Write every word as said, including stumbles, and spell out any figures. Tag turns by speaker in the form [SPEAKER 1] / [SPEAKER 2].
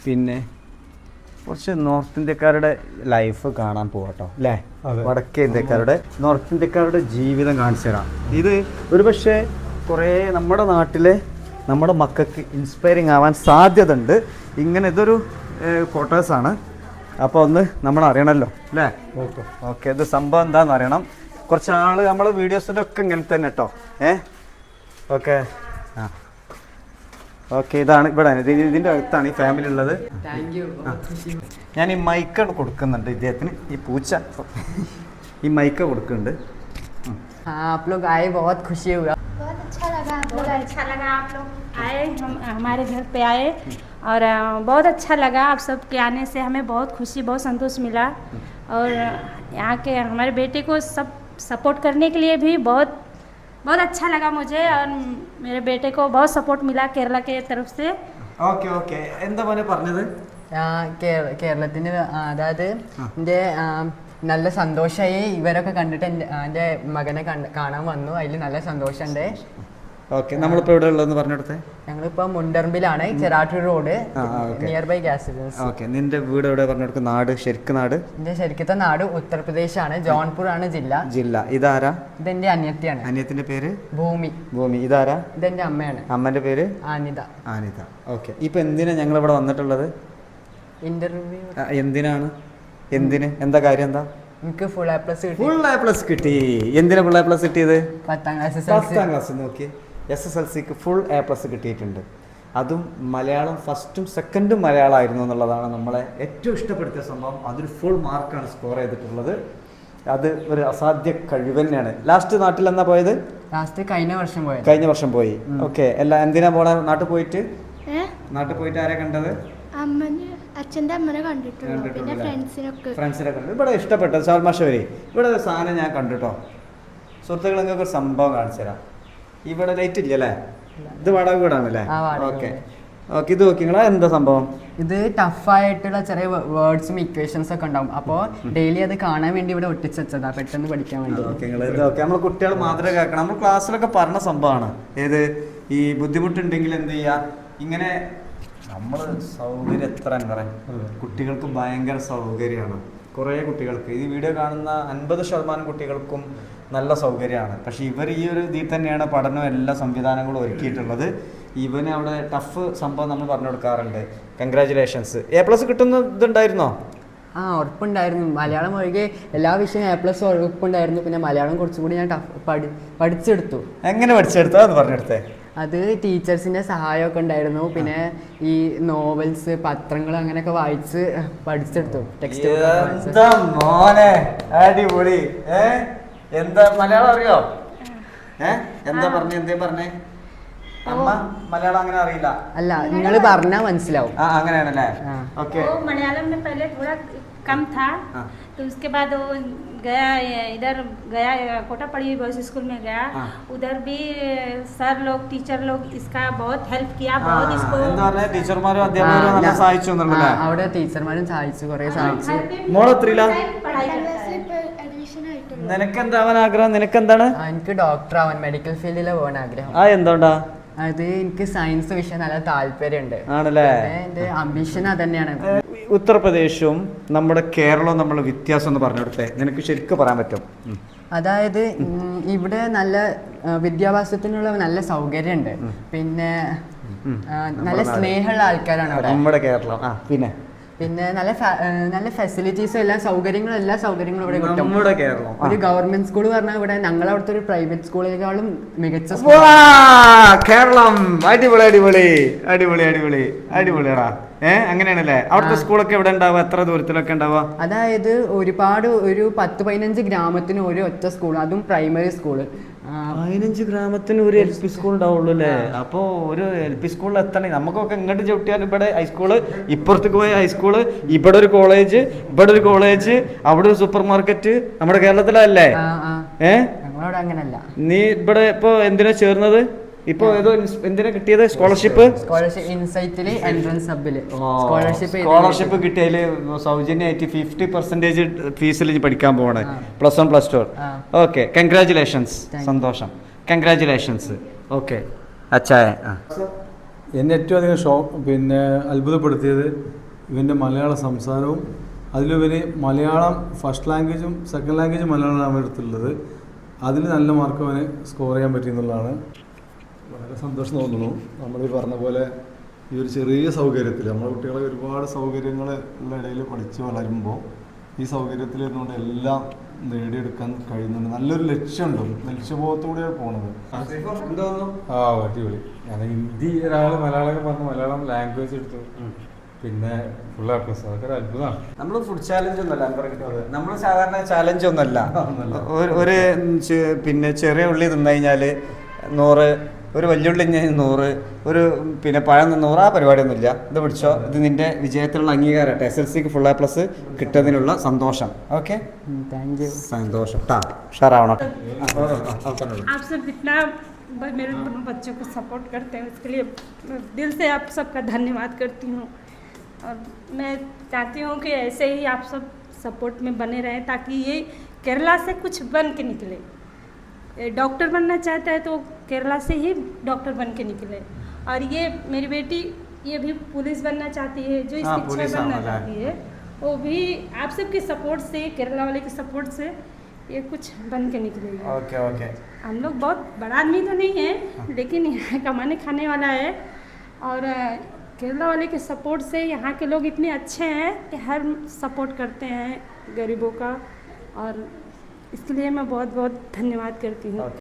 [SPEAKER 1] പിന്നെ കുറച്ച് നോർത്ത് ഇന്ത്യക്കാരുടെ ലൈഫ് കാണാൻ പോകട്ടോ അല്ലേ? വടക്കേ ഇന്ത്യക്കാരുടെ നോർത്ത് ഇന്ത്യക്കാരുടെ ജീവിതം കാണിച്ചു തരാം. ഇത് ഒരു പക്ഷേ കുറേ നമ്മുടെ നാട്ടിലെ നമ്മുടെ മക്കൾക്ക് ഇൻസ്പയറിങ് ആവാൻ സാധ്യത ഉണ്ട്. ഇങ്ങനെ ഇതൊരു ക്വാർട്ടേഴ്സാണ്. അപ്പോൾ ഒന്ന് നമ്മൾ അറിയണമല്ലോ അല്ലേ? ഓക്കെ ഓക്കെ ഇത് സംഭവം എന്താണെന്ന് അറിയണം. കുറച്ച് ആൾ നമ്മൾ വീഡിയോസിൻ്റെ ഒക്കെ ഇങ്ങനെ തന്നെ കേട്ടോ. ഏ ഓക്കെ ആ ഓക്കെ ഇതാണ് ഇവിടെ ഇതിൻ്റെ അടുത്താണ് ഈ ഫാമിലി ഉള്ളത്. ഞാൻ ഈ മൈക്ക കൊടുക്കുന്നുണ്ട് ഇദ്ദേഹത്തിന്. ഈ പൂച്ച ഈ മൈക്ക കൊടുക്കുന്നുണ്ട്.
[SPEAKER 2] आप लोग आए बहुत खुशी हुआ.
[SPEAKER 3] बहुत अच्छा लगा आप लोग अच्छा लगा आप लोग आए हम हमारे घर पे आए और बहुत अच्छा लगा. आप सब के आने से हमें बहुत खुशी बहुत संतोष मिला और यहाँ के हमारे बेटे को सब सपोर्ट करने के लिए भी बहुत बहुत अच्छा लगा मुझे और मेरे बेटे को बहुत सपोर्ट मिला केरला के तरफ से.
[SPEAKER 1] ഓക്കെ ഓക്കെ എന്താ മോനെ പറഞ്ഞത്?
[SPEAKER 2] കേരളത്തിന് അതായത് എൻ്റെ നല്ല സന്തോഷമായി. ഇവരൊക്കെ കണ്ടിട്ട് എൻ്റെ എൻ്റെ മകനെ കണ്ട് കാണാൻ വന്നു. അതിൽ നല്ല സന്തോഷമുണ്ട്.
[SPEAKER 1] ഓക്കെ നമ്മളിപ്പോൾ എവിടെ ഉള്ളതെന്ന് പറഞ്ഞെടുത്തേ?
[SPEAKER 2] ഞങ്ങളിപ്പോൾ മുണ്ടർമ്പിലാണ്, Cherattur road, near by gas agency.
[SPEAKER 1] Okay നിന്റെ വീട് എവിടെ പറഞ്ഞെടുക്കും? നാട് ശരിക്കും നാട്?
[SPEAKER 2] എൻ്റെ ശരിക്കത്തെ നാട് ഉത്തർപ്രദേശാണ്, ജോൺപൂർ ആണ് ജില്ല.
[SPEAKER 1] ജില്ല ഇതാരാ?
[SPEAKER 2] ഇതെന്റെ അനിയത്തിയാണ്.
[SPEAKER 1] അനിയത്തിന്റെ പേര്
[SPEAKER 2] ഭൂമി.
[SPEAKER 1] ഭൂമി ഇതാരാ?
[SPEAKER 2] ഇതെന്റെ അമ്മയാണ്.
[SPEAKER 1] അമ്മന്റെ പേര്
[SPEAKER 2] ആനിത.
[SPEAKER 1] ആനിത. ഓക്കെ ഇപ്പൊ എന്തിനാ ഞങ്ങൾ ഇവിടെ വന്നിട്ടുള്ളത്?
[SPEAKER 2] ഇന്റർവ്യൂ.
[SPEAKER 1] എന്തിനാണ്? എന്തിന്? എന്താ കാര്യം? എന്താ?
[SPEAKER 2] എനിക്ക് ഫുൾ എ പ്ലസ് കിട്ടി.
[SPEAKER 1] ഫുൾ എ പ്ലസ് കിട്ടി. എന്തിനാ ഫുൾ എ പ്ലസ് കിട്ടിയത്?
[SPEAKER 2] പത്താം ക്ലാസ്.
[SPEAKER 1] പത്താം ക്ലാസ് നോക്കി എസ് എസ് എൽ സിക്ക് ഫുൾ എ പ്ലസ് കിട്ടിയിട്ടുണ്ട്. അതും മലയാളം ഫസ്റ്റും സെക്കൻഡും മലയാളമായിരുന്നു എന്നുള്ളതാണ് നമ്മളെ ഏറ്റവും ഇഷ്ടപ്പെടുത്തിയ സംഭവം. അതൊരു ഫുൾ മാർക്കാണ് സ്കോർ ചെയ്തിട്ടുള്ളത്. അത് ഒരു അസാധ്യ കഴിവ് തന്നെയാണ്. ലാസ്റ്റ് നാട്ടിൽ എന്നാ പോയത്?
[SPEAKER 2] ലാസ്റ്റ് കഴിഞ്ഞ വർഷം പോയത്.
[SPEAKER 1] കഴിഞ്ഞ വർഷം പോയി. ഓക്കെ എല്ലാം എന്തിനാ പോണേ? നാട്ടിൽ പോയിട്ട് നാട്ടിൽ പോയിട്ട് ആരെ കണ്ടത്?
[SPEAKER 3] അച്ഛൻ്റെ അമ്മനെ കണ്ടിട്ടുണ്ട്, പിന്നെ ഫ്രണ്ട്സിനൊക്കെ
[SPEAKER 1] ഫ്രണ്ട്സിനെ കണ്ടു. ഇവിടെ ഇഷ്ടപ്പെട്ടത് സാൽമാഷവരി ഇവിടെ ഒരു സാധനം ഞാൻ കണ്ടിട്ടോ. സുഹൃത്തുക്കൾ നിങ്ങൾക്ക് ഒരു സംഭവം കാണിച്ചു തരാം. ഇവിടെ ലൈറ്റ് ഇല്ല അല്ലേ? ഇത് വാടക വീടാണല്ലേ? ഓക്കെ ഓക്കെ ഇത് നോക്കി നിങ്ങളാ എന്താ സംഭവം?
[SPEAKER 2] ഇത് ടഫായിട്ടുള്ള ചെറിയ വേർഡ്സും ഇക്വേഷൻസ് ഒക്കെ ഉണ്ടാവും. അപ്പോൾ ഡെയിലി അത് കാണാൻ വേണ്ടി ഇവിടെ ഒട്ടിച്ച് വെച്ചതാ, പെട്ടെന്ന് പഠിക്കാൻ വേണ്ടി.
[SPEAKER 1] ഓക്കെ ഇത് ഓക്കെ നമ്മൾ കുട്ടികൾ മാത്രമേ കേൾക്കണം. നമ്മൾ ക്ലാസ്സിലൊക്കെ പറഞ്ഞ സംഭവമാണ്. ഏത് ഈ ബുദ്ധിമുട്ടുണ്ടെങ്കിൽ എന്ത് ചെയ്യുക, ഇങ്ങനെ നമ്മൾ സൗകര്യം എത്ര എന്താ പറയുക, കുട്ടികൾക്ക് ഭയങ്കര സൗകര്യമാണ്. കുറേ കുട്ടികൾക്ക് ഈ വീഡിയോ കാണുന്ന അൻപത് ശതമാനം കുട്ടികൾക്കും നല്ല സൗകര്യമാണ്. പക്ഷേ ഇവർ ഈ ഒരു ഇതിൽ തന്നെയാണ് പഠനവും എല്ലാ സംവിധാനങ്ങളും ഒരുക്കിയിട്ടുള്ളത്. ഇവന് അവിടെ ടഫ് സംഭവം നമ്മൾ പറഞ്ഞു കൊടുക്കാറുണ്ട്. കൺഗ്രാജുലേഷൻസ്. എ പ്ലസ് കിട്ടുന്ന ഇതുണ്ടായിരുന്നോ?
[SPEAKER 2] ആ ഉറപ്പുണ്ടായിരുന്നു. മലയാളം ഒഴികെ എല്ലാ വിഷയവും എ പ്ലസ് ഉറപ്പുണ്ടായിരുന്നു. പിന്നെ മലയാളം കുറച്ചും കൂടി ഞാൻ ടഫ് പഠി പഠിച്ചെടുത്തു.
[SPEAKER 1] എങ്ങനെ പഠിച്ചെടുത്തോ അത് പറഞ്ഞെടുത്തേ?
[SPEAKER 2] അത് ടീച്ചേഴ്സിൻ്റെ സഹായമൊക്കെ ഉണ്ടായിരുന്നു. പിന്നെ ഈ നോവൽസ്, പത്രങ്ങൾ അങ്ങനെയൊക്കെ വായിച്ച് പഠിച്ചെടുത്തു. ടെക്സ്റ്റ്
[SPEAKER 1] മോനെ അടിപൊളി. ഏ എന്താ മലയാളം അറിയോ? ഏ എന്താ പറഞ്ഞേ? എന്തേ പറഞ്ഞേ? അമ്മ മലയാളം അങ്ങനെ അറിയില്ല.
[SPEAKER 2] അല്ല നിങ്ങൾ പറഞ്ഞാൽ മനസ്സിലാവും.
[SPEAKER 1] ആ അങ്ങനെയാണല്ലേ? ഓക്കെ
[SPEAKER 3] മലയാളം में पहले थोड़ा कम था तो उसके बाद वो गया इधर गया कोटापड़ी बॉयज स्कूल में गया. उधर भी सर लोग टीचर लोग इसका बहुत हेल्प किया. बहुत इसको
[SPEAKER 1] എന്താ പറഞ്ഞേ? ടീച്ചർമാരും അധ്യാപകരും നല്ല സഹായിച്ചു എന്നല്ലേ?
[SPEAKER 2] അവിടെ ടീച്ചർമാരും സഹായിച്ചു, കുറേ സഹായിച്ചു.
[SPEAKER 1] മോളെത്രയില്ല? നിനക്കെന്താവാൻ ആഗ്രഹം? നിനക്കെന്താണ്?
[SPEAKER 2] എനിക്ക് ഡോക്ടർ ആവാൻ, മെഡിക്കൽ ഫീൽഡിൽ പോകാൻ ആഗ്രഹം.
[SPEAKER 1] ആ എന്തുകൊണ്ടാ?
[SPEAKER 2] അത് എനിക്ക് സയൻസ് വിഷയം നല്ല താല്പര്യമുണ്ട്.
[SPEAKER 1] ആണല്ലേ?
[SPEAKER 2] എന്റെ അംബിഷൻ അതന്നെയാണ്.
[SPEAKER 1] ഉത്തർപ്രദേശും നമ്മുടെ കേരളവും തമ്മിലുള്ള വ്യത്യാസം എന്ന് പറഞ്ഞു കൊടുത്തേ, നിനക്ക് ശരിക്കും പറയാൻ പറ്റും?
[SPEAKER 2] അതായത് ഇവിടെ നല്ല വിദ്യാഭ്യാസത്തിനുള്ള നല്ല സൗകര്യമുണ്ട്. പിന്നെ നല്ല സ്നേഹമുള്ള ആൾക്കാരാണ് അവിടെ
[SPEAKER 1] നമ്മുടെ കേരളം. ആ പിന്നെ
[SPEAKER 2] പിന്നെ നല്ല നല്ല ഫെസിലിറ്റീസും എല്ലാ സൗകര്യങ്ങളും എല്ലാ സൗകര്യങ്ങളും ഇവിടെ കിട്ടും.
[SPEAKER 1] നമ്മുടെ കേരളം
[SPEAKER 2] ഒരു ഗവൺമെന്റ് സ്കൂൾ പറഞ്ഞാൽ ഇവിടെ ഞങ്ങളവിടുത്തെ ഒരു പ്രൈവറ്റ് സ്കൂളിനേക്കാളും മികച്ച
[SPEAKER 1] കേരളം. അടിപൊളി അടിപൊളി അടിപൊളി അടിപൊളി അടിപൊളിയാടാ. ഏഹ് അങ്ങനെയാണല്ലേ? അവിടുത്തെ സ്കൂളൊക്കെ എവിടെ ഉണ്ടാവുക? എത്ര ദൂരത്തിലൊക്കെ ഉണ്ടാവുക?
[SPEAKER 2] അതായത് ഒരുപാട് ഒരു പത്ത് പതിനഞ്ച് ഗ്രാമത്തിന് ഒരു ഒറ്റ സ്കൂൾ, അതും പ്രൈമറി സ്കൂള്.
[SPEAKER 1] പതിനഞ്ച് ഗ്രാമത്തിന് ഒരു എൽ പി സ്കൂൾ ഉണ്ടാവുള്ളൂ അല്ലേ? അപ്പൊ ഒരു എൽ പി സ്കൂളിൽ എത്തണേ. നമുക്കൊക്കെ ഇങ്ങോട്ട് ചവിട്ടിയാൽ ഇവിടെ ഹൈസ്കൂള്, ഇപ്പുറത്തേക്ക് പോയ ഹൈസ്കൂള്, ഇവിടെ ഒരു കോളേജ്, ഇവിടെ ഒരു കോളേജ്, അവിടെ ഒരു സൂപ്പർ മാർക്കറ്റ്. നമ്മുടെ കേരളത്തിലല്ലേ? ഏഹ്
[SPEAKER 2] ഞങ്ങളവിടെ അങ്ങനല്ല.
[SPEAKER 1] നീ ഇവിടെ ഇപ്പൊ എന്തിനാ ചേർന്നത്? ഇപ്പൊ ഏതോ എന്തിനാ കിട്ടിയത്? സ്കോളർഷിപ്പ്.
[SPEAKER 2] സ്കോളർഷിപ്പ് ഇൻസൈറ്റില് എൻട്രൻസ് സബില് സ്കോളർഷിപ്പ്
[SPEAKER 1] സ്കോളർഷിപ്പ് കിട്ടിയതില് സൗജന്യമായിട്ട് ഫിഫ്റ്റി പെർസെന്റേജ് ഫീസിൽ പഠിക്കാൻ പോവാണ്. Plus one plus two. Okay congratulations. സന്തോഷം. കൺഗ്രാജുലേഷൻസ്. ഓക്കെ അച്ഛായ
[SPEAKER 4] എന്നെ ഏറ്റവും അധികം ഷോ പിന്നെ അത്ഭുതപ്പെടുത്തിയത് ഇവൻ്റെ മലയാള സംസാരവും അതിലുപരി മലയാളം ഫസ്റ്റ് ലാംഗ്വേജും സെക്കൻഡ് ലാംഗ്വേജും മലയാളമാണ് എടുത്തുള്ളത്. അതിൽ നല്ല മാർക്ക് അവന് സ്കോർ ചെയ്യാൻ പറ്റിയെന്നുള്ളതാണ്. വളരെ സന്തോഷം തോന്നുന്നു. നമ്മൾ ഈ പറഞ്ഞ പോലെ ഈ ഒരു ചെറിയ സൗകര്യത്തിൽ നമ്മുടെ കുട്ടികളെ ഒരുപാട് സൗകര്യങ്ങൾ ഉള്ള ഇടയിൽ പഠിച്ച് വളരുമ്പോൾ ഈ സൗകര്യത്തിൽ ഇരുന്നുകൊണ്ട് എല്ലാം നേടിയെടുക്കാൻ കഴിയുന്നുണ്ട്. നല്ലൊരു ലക്ഷ്യമുണ്ട്, ലക്ഷ്യബോധത്തോടെയാണ് പോണത്. ആ അടിപൊളി. ഞാൻ ഹിന്ദി ഒരാൾ മലയാളം പറഞ്ഞ് മലയാളം ലാംഗ്വേജ് എടുത്തു, പിന്നെ ഫുൾ എ പ്ലസ്. അതൊക്കെ ഒരു അത്ഭുതമാണ്.
[SPEAKER 1] നമ്മൾ ഫുഡ് ചാലഞ്ച് ഒന്നല്ല നമ്മൾ സാധാരണ ചാലഞ്ച് ഒന്നല്ല. ഒരു ഒരു ചെ- പിന്നെ ചെറിയ ഉള്ളി തിന്നു കഴിഞ്ഞാൽ നൂറ്, ഒരു വലിയുള്ളി നൂറ്, ഒരു പിന്നെ പഴം നൂറ്, ആ പരിപാടിയൊന്നുമില്ല. ഇത് പിടിച്ചോ, ഇത് നിന്റെ വിജയത്തിലുള്ള അംഗീകാരട്ടെ. എസ് എൽ സിക്ക് ഫുൾ എ പ്ലസ് കിട്ടുന്നതിനുള്ള സന്തോഷം. Okay,
[SPEAKER 2] thank you.
[SPEAKER 1] സന്തോഷം ട്ടാ, ഉഷാറാവണം.
[SPEAKER 3] आप सब इतना ब- मेरे बच्चों को सपोर्ट करते हैं, उसके लिए मैं दिल से आप सबका धन्यवाद करती हूँ। और मैं चाहती हूँ कि ऐसे ही आप सब सपोर्ट में बने रहें, ताकि ये केरला से कुछ बन के निकले। ये डॉक्टर बनना चाहता है तो केरला से ही डॉक्टर बन के निकले। और ये मेरी बेटी ये भी पुलिस बनना चाहती है, जो
[SPEAKER 1] हाँ,
[SPEAKER 3] इसकी इच्छा
[SPEAKER 1] पुलिस
[SPEAKER 3] बनना
[SPEAKER 1] वाला है।
[SPEAKER 3] चाहती है, वो भी आप सबके सपोर्ट से, केरला वाले के सपोर्ट से ये कुछ बन के निकलेगी।
[SPEAKER 1] Okay okay.
[SPEAKER 3] हम लोग बहुत बड़ा आदमी तो नहीं है, लेकिन यहाँ कमाने खाने वाला है। और अ, केरला वाले के सपोर्ट से यहाँ के लोग इतने अच्छे हैं कि हर सपोर्ट करते हैं गरीबों का, और इसके लिए मैं बहुत बहुत धन्यवाद करती हूँ.